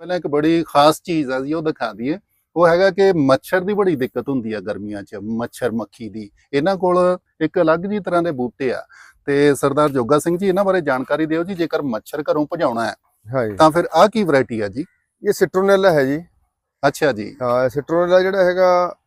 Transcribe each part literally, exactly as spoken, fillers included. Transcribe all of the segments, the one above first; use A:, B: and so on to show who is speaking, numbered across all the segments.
A: ਪਹਿਲਾਂ ਇੱਕ ਬੜੀ ਖਾਸ ਚੀਜ਼ ਆ ਜੀ ਉਹ ਦਿਖਾ ਦਈਏ। ਉਹ ਹੈਗਾ ਕਿ ਮੱਛਰ ਦੀ ਬੜੀ ਦਿੱਕਤ ਹੁੰਦੀ ਆ ਗਰਮੀਆਂ 'ਚ, ਮੱਛਰ ਮੱਖੀ ਦੀ। ਇਹਨਾਂ ਕੋਲ ਇੱਕ ਅਲੱਗ ਜੀ ਤਰ੍ਹਾਂ ਦੇ ਬੂਟੇ ਆ ਤੇ ਸਰਦਾਰ ਜੋਗਾ ਸਿੰਘ ਜੀ ਇਹਨਾਂ ਬਾਰੇ ਜਾਣਕਾਰੀ ਦਿਓ ਜੀ। ਜੇਕਰ ਮੱਛਰ ਘਰੋਂ ਭਜਾਉਣਾ ਹੈ
B: हाँ जी,
A: ਤਾਂ ਫਿਰ ਆਹ ਕੀ ਵੈਰਾਈਟੀ ਆ ਜੀ?
B: ये सिट्रोनेला है जी।
A: ਅੱਛਾ ਜੀ।
B: हाँ, सिट्रोनेला ਜਿਹੜਾ ਹੈਗਾ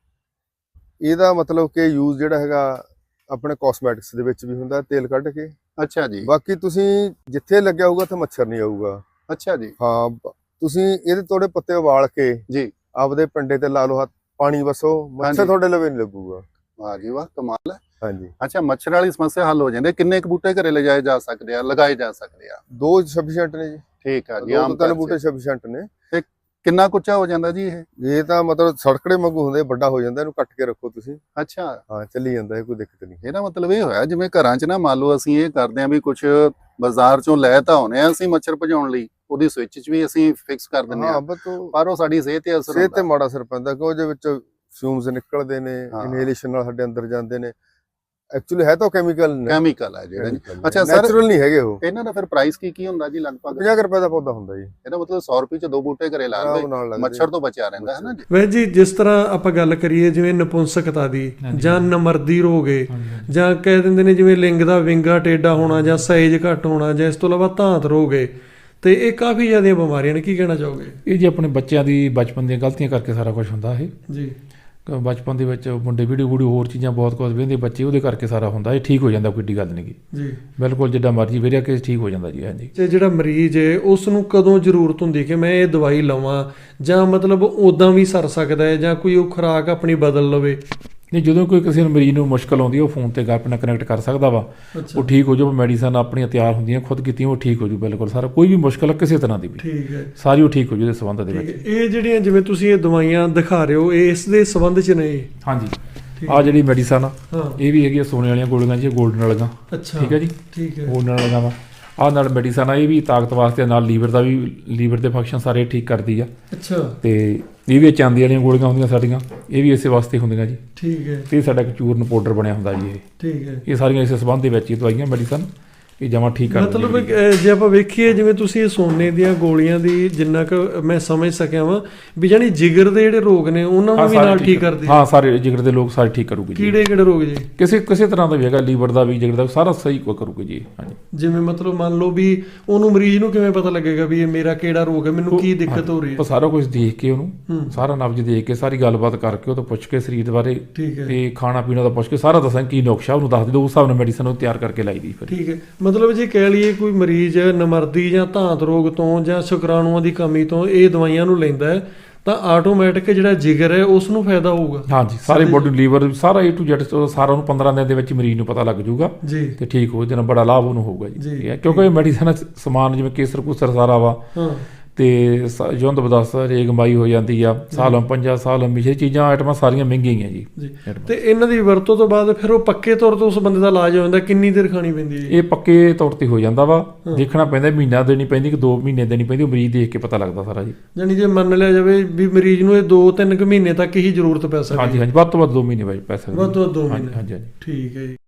B: ਇਹਦਾ ਮਤਲਬ ਕਿ ਯੂਜ਼ ਜਿਹੜਾ ਹੈਗਾ ਆਪਣੇ ਕਾਸਮੈਟਿਕਸ ਦੇ ਵਿੱਚ ਵੀ ਹੁੰਦਾ, ਤੇਲ ਕੱਢ ਕੇ।
A: ਅੱਛਾ ਜੀ।
B: ਬਾਕੀ ਤੁਸੀਂ ਜਿੱਥੇ ਲੱਗਿਆ ਹੋਊਗਾ ਤੇ ਮੱਛਰ ਨਹੀਂ ਆਊਗਾ।
A: ਅੱਛਾ ਜੀ।
B: ਹਾਂ, ਬ- ਤੁਸੀਂ ਇਹਦੇ ਥੋੜੇ ਪੱਤੇ ਉਬਾਲ ਕੇ
A: ਜੀ।
B: ਆਪਦੇ ਪਿੰਡੇ ਤੇ ਲਾ ਲਓ, ਹੱਥ ਪਾਣੀ ਵਸੋ, ਮੱਛਰ
A: ਹਾਂਜੀ।
B: ਤੁਹਾਡੇ ਲਵੇ ਨਹੀਂ ਲੱਗੂਗਾ।
A: ਵਾਹ ਜੀ ਵਾਹ, ਕਮਾਲ ਹੈ।
B: ਹਾਂਜੀ,
A: ਅੱਛਾ, ਮੱਛਰ ਵਾਲੀ ਸਮੱਸਿਆ ਹੱਲ ਹੋ ਜਾਂਦੀ ਹੈ। ਕਿੰਨੇ ਕੁ ਬੂਟੇ ਘਰੇ ਲਿਜਾਏ ਜਾ ਸਕਦੇ ਆ, ਲਗਾਏ ਜਾ ਸਕਦੇ ਆ?
B: ਦੋ ਸਫੀਸ਼ੀਐਂਟ ਨੇ ਜੀ।
A: ਠੀਕ ਆ ਜੀ।
B: ਦੋ
A: ਆਮ
B: ਤੋਂ ਤਿੰਨ
A: ਘਰ 'ਚ।
B: ਬੂਟੇ ਸਫੀਸ਼ੀਐਂਟ ਨੇ।
A: ਕਿੰਨਾ ਕੁ ਉੱਚਾ ਹੋ ਜਾਂਦਾ ਜੀ ਇਹ?
B: ਇਹ ਤਾਂ ਮਤਲਬ ਸੜਕੜੇ ਵਾਂਗੂ ਹੁੰਦੇ, ਵੱਡਾ ਹੋ ਜਾਂਦਾ, ਇਹਨੂੰ ਕੱਟ ਕੇ ਰੱਖੋ ਤੁਸੀਂ।
A: ਅੱਛਾ,
B: ਹਾਂ, ਚੱਲੀ ਜਾਂਦਾ, ਇਹ ਕੋਈ ਦਿੱਕਤ ਨਹੀਂ।
A: ਇਹਦਾ ਮਤਲਬ ਇਹ ਹੋਇਆ ਜਿਵੇਂ ਘਰਾਂ 'ਚ ਨਾ ਮੰਨ ਲਓ ਅਸੀਂ ਇਹ ਕਰਦੇ ਆ ਵੀ ਕੁਝ ਬਾਜ਼ਾਰ 'ਚੋਂ ਲੈ ਤਾਂ ਆਉਨੇ ਆ ਅਸੀਂ ਮੱਛਰ ਭਜਾਉਣ ਲਈ, ਉਹਦੀ ਸਵਿਚ 'ਚ ਵੀ ਅਸੀਂ ਫਿਕਸ ਕਰ ਦਿੰਦੇ
B: ਹਾਂ,
A: ਆ,
B: ਬਸ ਉਹ
A: ਪਰ ਉਹ ਸਾਡੀ ਸਿਹਤ ਤੇ ਅਸਰ
B: ਸਿਹਤ ਤੇ
A: ਹੁੰਦਾ।
B: ਮਾੜਾ ਅਸਰ ਪੈਂਦਾ, ਕਿ ਉਹਦੇ ਵਿੱਚ ਫਿਊਮਸ ਨਿਕਲਦੇ ਨੇ,
A: ਹਾਂ।
B: ਇਨਹੇਲੇਸ਼ਨ ਨਾਲ ਸਾਡੇ ਅੰਦਰ ਜਾਂਦੇ ਨੇ। ਐਕਚੁਅਲੀ ਹੈ ਤਾਂ ਕੈਮੀਕਲ ਨੇ,
A: ਕੈਮੀਕਲ ਹੈ ਜਿਹੜਾ ਜੀ।
B: ਅੱਛਾ
A: ਅੱਛਾ ਸਰ,
B: ਨੈਚੁਰਲ ਨਹੀਂ ਹੈਗੇ ਉਹ।
A: ਇਹਨਾਂ ਦਾ ਫਿਰ ਪ੍ਰਾਈਸ ਕੀ ਕੀ ਹੁੰਦਾ ਜੀ ਲਗਭਗ?
B: ਪੰਜਾਹ ਕੁ ਰੁਪਏ ਦਾ ਪੌਦਾ ਹੁੰਦਾ ਜੀ।
A: ਇਹਦਾ ਮਤਲਬ ਸੌ ਰੁਪਏ 'ਚ ਦੋ ਬੂਟੇ ਘਰੇ ਲਾ
B: ਆਰਾਮ
A: ਲਵੇ,
B: ਨਾਲ ਲੱਗਦੇ।
A: ਮੱਛਰ ਤੋਂ ਬਚਿਆ ਰਹਿੰਦਾ ਹੈ ਨਾ ਜੀ।
C: ਵੈਸੇ ਜੀ ਜਿਸ ਤਰ੍ਹਾਂ ਆਪਾਂ ਗੱਲ ਕਰੀਏ ਜਿਵੇਂ ਨਪੁੰਸਕਤਾ ਦੀ ਜਾਂ ਨਮਰਦੀ ਰੋਗ ਏ, ਜਾਂ ਕਹਿ ਦਿੰਦੇ ਨੇ ਜਿਵੇਂ ਲਿੰਗ ਦਾ ਵਿੰਗਾ ਟੇਢਾ ਹੋਣਾ ਜਾਂ ਸਾਈਜ਼ ਘੱਟ ਹੋਣਾ, ਜਾਂ ਇਸ ਤੋਂ ਇਲਾਵਾ ਧਾਤ ਰੋਗ ਏ, ਤੇ ਇਹ ਕਾਫੀ ਜ਼ਿਆਦੀਆਂ ਬਿਮਾਰੀਆਂ ਨੇ। ਕੀ ਕਹਿਣਾ ਚਾਹੋਗੇ?
D: ਇਹ ਜੀ ਆਪਣੇ ਬੱਚਿਆਂ ਦੀ ਬਚਪਨ ਦੀਆਂ ਗਲਤੀਆਂ ਕਰਕੇ ਸਾਰਾ ਕੁਝ ਹੁੰਦਾ ਇਹ।
C: ਜੀ।
D: ਕ- ਬਚਪਨ ਦੇ ਵਿੱਚ ਮੁੰਡੇ ਵੀਡੀਓ ਵੀਡੀਓ ਹੋਰ ਚੀਜ਼ਾਂ ਬਹੁਤ ਕੁਝ ਵੇਖਦੇ ਬੱਚੇ, ਉਹਦੇ ਕਰਕੇ ਸਾਰਾ ਹੁੰਦਾ। ਇਹ ਠੀਕ ਹੋ ਜਾਂਦਾ, ਕੋਈ ਏਡੀ ਗੱਲ ਨਹੀਂ ਗੀ।
C: ਜੀ
D: ਬਿਲਕੁਲ ਜਿੱਦਾਂ ਮਰਜ਼ੀ ਵੇਰਿਆ ਕੇ ਠੀਕ ਹੋ ਜਾਂਦਾ ਜੀ। ਹਾਂਜੀ,
C: ਤੇ ਜਿਹੜਾ ਮਰੀਜ਼ ਏ ਉਸ ਨੂੰ ਕਦੋਂ ਜ਼ਰੂਰਤ ਹੁੰਦੀ ਕਿ ਮੈਂ ਇਹ ਦਵਾਈ ਲਵਾਂ, ਜਾਂ ਮਤਲਬ ਉਦਾਂ ਵੀ ਸਰ ਸਕਦਾ ਹੈ, ਜਾਂ ਕੋਈ ਉਹ ਖੁਰਾਕ ਆਪਣੀ ਬਦਲ ਲਵੇ?
D: ਨਹੀਂ, ਜਦੋਂ ਕੋਈ ਕਿਸੇ ਨੂੰ ਮਰੀਜ਼ ਨੂੰ ਮੁਸ਼ਕਲ ਆਉਂਦੀ ਹੈ ਉਹ ਫੋਨ ਤੇ ਆਪਣੇ ਨਾਲ ਕਨੈਕਟ ਕਰ ਸਕਦਾ ਵਾ,
C: ਅੱਛਾ,
D: ਉਹ ਠੀਕ ਹੋ ਜਾਊ। ਮੈਡੀਸਨ ਆਪਣੀਆਂ ਤਿਆਰ ਹੁੰਦੀਆਂ, ਖੁਦ ਕੀਤੀਆਂ, ਉਹ ਠੀਕ ਹੋ ਜਾਊ ਬਿਲਕੁਲ ਸਾਰਾ। ਕੋਈ ਵੀ ਮੁਸ਼ਕਲ ਆ ਕਿਸੇ ਤਰ੍ਹਾਂ ਦੀ ਵੀ,
C: ਠੀਕ ਹੈ।
D: ਸਾਰੀ ਉਹ ਠੀਕ ਹੋ ਜਾਊ ਇਸ ਸੰਬੰਧ ਦੇ
C: ਠੀਕ
D: ਵਿੱਚ।
C: ਹੈ। ਇਹ ਜਿਹੜੀਆਂ ਜਿਵੇਂ ਤੁਸੀਂ ਇਹ ਦਵਾਈਆਂ ਦਿਖਾ ਰਹੇ ਹੋ, ਇਹ ਇਸ ਦੇ ਸੰਬੰਧ 'ਚ ਨੇ?
D: ਹਾਂਜੀ,
C: ਠੀਕ
D: ਆਹ ਜਿਹੜੀ ਮੈਡੀਸਨ ਆ
C: ਹਾਂ।
D: ਇਹ ਵੀ ਹੈਗੀ ਆ ਸੋਨੇ ਵਾਲੀਆਂ ਗੋਲੀਆਂ ਜੀ, 골ਡਨ ਵਾਲੀਆਂ।
C: ਅੱਛਾ,
D: ਠੀਕ ਹੈ ਜੀ,
C: ਠੀਕ ਹੈ।
D: ਗੋਲਡਨ ਵਾਲੀਆਂ ਵਾ। ਆਹ ਨਾਲ ਮੈਡੀਸਨ ਆ, ਇਹ ਵੀ ਤਾਕਤ ਵਾਸਤੇ, ਨਾਲ ਲੀਵਰ ਦਾ ਵੀ, ਲੀਵਰ ਦੇ ਫੰਕਸ਼ਨ ਸਾਰੇ ਠੀਕ ਕਰਦੀ ਆ।
C: ਅੱਛਾ,
D: ਤੇ ਇਹ ਵੀ ਚਾਂਦੀ ਵਾਲੀਆਂ ਗੋਲੀਆਂ ਹੁੰਦੀਆਂ ਸਾਡੀਆਂ, ਇਹ ਵੀ ਇਸੇ ਵਾਸਤੇ ਹੁੰਦੀਆਂ ਜੀ।
C: ਠੀਕ ਹੈ।
D: ਤੇ ਸਾਡਾ ਇੱਕ ਚੂਰਨ ਪਾਊਡਰ ਬਣਿਆ ਹੁੰਦਾ ਜੀ। ਇਹ
C: ਠੀਕ ਹੈ।
D: ਇਹ ਸਾਰੀਆਂ ਇਸੇ ਸੰਬੰਧ ਦੇ ਵਿੱਚ ਹੀ ਦਵਾਈਆਂ ਮੈਡੀਸਨ ਇਹ ਜਮਾਂ ਠੀਕ ਕਰ ਦਿੰਦੀਆਂ
C: ਮਤਲਬ
D: ਜੀ।
C: ਅਹ, ਜੇ ਆਪਾਂ ਵੇਖੀਏ ਜਿਵੇਂ ਤੁਸੀਂ ਇਹ ਸੋਨੇ ਦੀਆਂ ਗੋਲੀਆਂ ਦੀ ਜਿੰਨਾ ਕੁ ਮੈਂ ਸਮਝ ਸਕਿਆ ਵਾਂ ਵੀ ਜਾਨੀ ਜਿਗਰ ਦੇ ਜਿਹੜੇ ਰੋਗ ਨੇ ਉਹਨਾਂ ਨੂੰ
D: ਹਾਂ,
C: ਵੀ
D: ਸਾਰੇ
C: ਨਾਲ ਠੀਕ ਕਰਦੀ?
D: ਹਾਂ, ਸਾਰੇ ਜਿਗਰ ਦੇ ਲੋਕ ਸਾਰੇ ਠੀਕ ਕਰੂਗੇ ਜੀ।
C: ਕੀੜੇ ਕਿਹੜੇ ਰੋਗ ਜੀ?
D: ਕਿਸੇ ਕਿਸੇ ਤਰ੍ਹਾਂ ਦਾ ਵੀ ਹੈਗਾ, ਲੀਵਰ ਦਾ ਵੀ, ਜਿਗਰ ਦਾ ਵੀ, ਸਾਰਾ ਸਹੀ ਕੋ ਕਰੂਗੇ ਜੀ। ਹਾਂਜੀ,
C: ਜਿਵੇਂ ਮਤਲਬ ਮੰਨ ਲਓ ਵੀ ਉਹਨੂੰ ਮਰੀਜ਼ ਨੂੰ ਕਿਵੇਂ ਪਤਾ ਲੱਗੇਗਾ ਵੀ ਇਹ ਮੇਰਾ ਕਿਹੜਾ ਰੋਗ ਹੈ, ਮੈਨੂੰ ਕੀ ਦਿੱਕਤ ਹੋ ਰਹੀ ਹੈ?
D: ਉਹ ਸਾਰਾ ਕੁਝ ਦੇਖ ਕੇ ਉਹਨੂੰ,
C: ਹੂੰ।
D: ਸਾਰਾ ਨਬਜ਼ ਦੇਖ ਕੇ, ਸਾਰੀ ਗੱਲਬਾਤ ਕਰਕੇ ਉਹ ਤੋਂ ਪੁੱਛ ਕੇ ਸਰੀਰ ਬਾਰੇ
C: ਠੀਕ ਹੈ।
D: ਤੇ ਖਾਣਾ ਪੀਣਾ ਦਾ ਪੁੱਛ ਕੇ ਸਾਰਾ ਦੱਸਾਂ ਕੀ ਨੁਕਸ਼ਾ ਉਹਨੂੰ ਦੱਸ ਦੇ, ਉਸ ਹਿਸਾਬ ਨਾਲ ਮੈਡੀਸਨ ਉਹ ਤਿਆਰ ਕਰਕੇ ਲਾਈ ਦੀ ਫਿਰ।
C: ਠੀਕ ਹੈ। ਮਤਲਬ ਜੇ ਕਹਿ ਲਈਏ ਕੋਈ ਮਰੀਜ਼ ਨਮਰਦੀ ਜਾਂ ਧਾਤ ਰੋਗ ਤੋਂ ਜਾਂ ਸ਼ੁਕਰਾਣੂਆਂ ਦੀ ਕਮੀ ਤੋਂ ਇਹ ਦਵਾਈਆਂ ਨੂੰ ਲੈਂਦਾ ਹੈ ਤਾਂ ਆਟੋਮੈਟਿਕ ਜਿਹੜਾ ਜਿਗਰ ਹੈ ਉਸ ਨੂੰ ਫਾਇਦਾ ਹੋਊਗਾ?
D: ਹਾਂਜੀ, ਸਾਰੇ ਬੋਡੀ, ਲੀਵਰ, ਸਾਰਾ ਏ ਟੂ ਜ਼ੈਡ ਸਾਰਾ ਉਹਨੂੰ ਪੰਦਰਾਂ ਦਿਨ ਦੇ ਵਿੱਚ ਮਰੀਜ਼ ਨੂੰ ਪਤਾ ਲੱਗ ਜਾਊਗਾ
C: ਜੀ।
D: ਤੇ ਠੀਕ ਹੋ ਜਾਣਾ, ਬੜਾ ਲਾਭ ਉਹਨੂੰ ਹੋਊਗਾ ਜੀ।
C: ਜੀ।
D: ਠੀਕ ਹੈ, ਕਿਉਂਕਿ ਇਹ ਮੈਡੀਸਨ ਸਮਾਨ ਜਿਵੇਂ ਕੇਸਰ ਕੂਸਰ ਸਾਰਾ ਵਾ,
C: ਹਾਂ।
D: ਤੇ ਸ- ਜੁੰਦ ਬਦਸ ਰੇਗਮਾਈ ਹੋ ਜਾਂਦੀ ਆ, ਸਾਲਮ ਪੰਜਾ ਸਾਲਮ ਮਿਸ਼ਰੀ ਚੀਜ਼ਾਂ ਆਈਟਮਾਂ ਸਾਰੀਆਂ ਮਹਿੰਗੀਆਂ ਹੀ ਆ ਜੀ।
C: ਜੀ। ਤੇ ਇਹਨਾਂ ਦੀ ਵਰਤੋਂ ਤੋਂ ਬਾਅਦ ਫਿਰ ਉਹ ਪੱਕੇ ਤੌਰ ਤੇ ਉਸ ਬੰਦੇ ਦਾ ਇਲਾਜ ਹੋ ਜਾਂਦਾ? ਕਿੰਨੀ ਦੇਰ ਖਾਣੀ ਪੈਂਦੀ ਹੈ?
D: ਇਹ ਪੱਕੇ ਤੌਰ ਤੇ ਹੋ ਜਾਂਦਾ ਵਾ, ਦੇਖਣਾ ਪੈਂਦਾ, ਮਹੀਨਾ ਦੇਣੀ ਪੈਂਦੀ ਕਿ ਦੋ ਮਹੀਨੇ ਦੇਣੀ ਪੈਂਦੀ, ਉਹ ਮਰੀਜ਼ ਦੇਖ ਕੇ ਪਤਾ ਲੱਗਦਾ ਸਾਰਾ ਜੀ।
C: ਯਾਨੀ ਜੇ ਮੰਨ ਲਿਆ ਜਾਵੇ ਵੀ ਮਰੀਜ਼ ਨੂੰ ਇਹ ਦੋ ਤਿੰਨ ਕੁ ਮਹੀਨੇ ਤੱਕ ਹੀ ਜ਼ਰੂਰਤ ਪੈ ਸਕਦੀ ਹੈ?
D: ਹਾਂਜੀ ਹਾਂਜੀ, ਵੱਧ ਤੋਂ ਵੱਧ ਦੋ ਮਹੀਨੇ ਬਾਅਦ ਪੈ ਸਕਦਾ।
C: ਵੱਧ ਤੋਂ ਵੱਧ ਦੋ
D: ਹਾਂਜੀ
C: ਮਹੀਨੇ।
D: ਹਾਂਜੀ ਹਾਂਜੀ।
C: ਠੀਕ ਹੈ ਜੀ।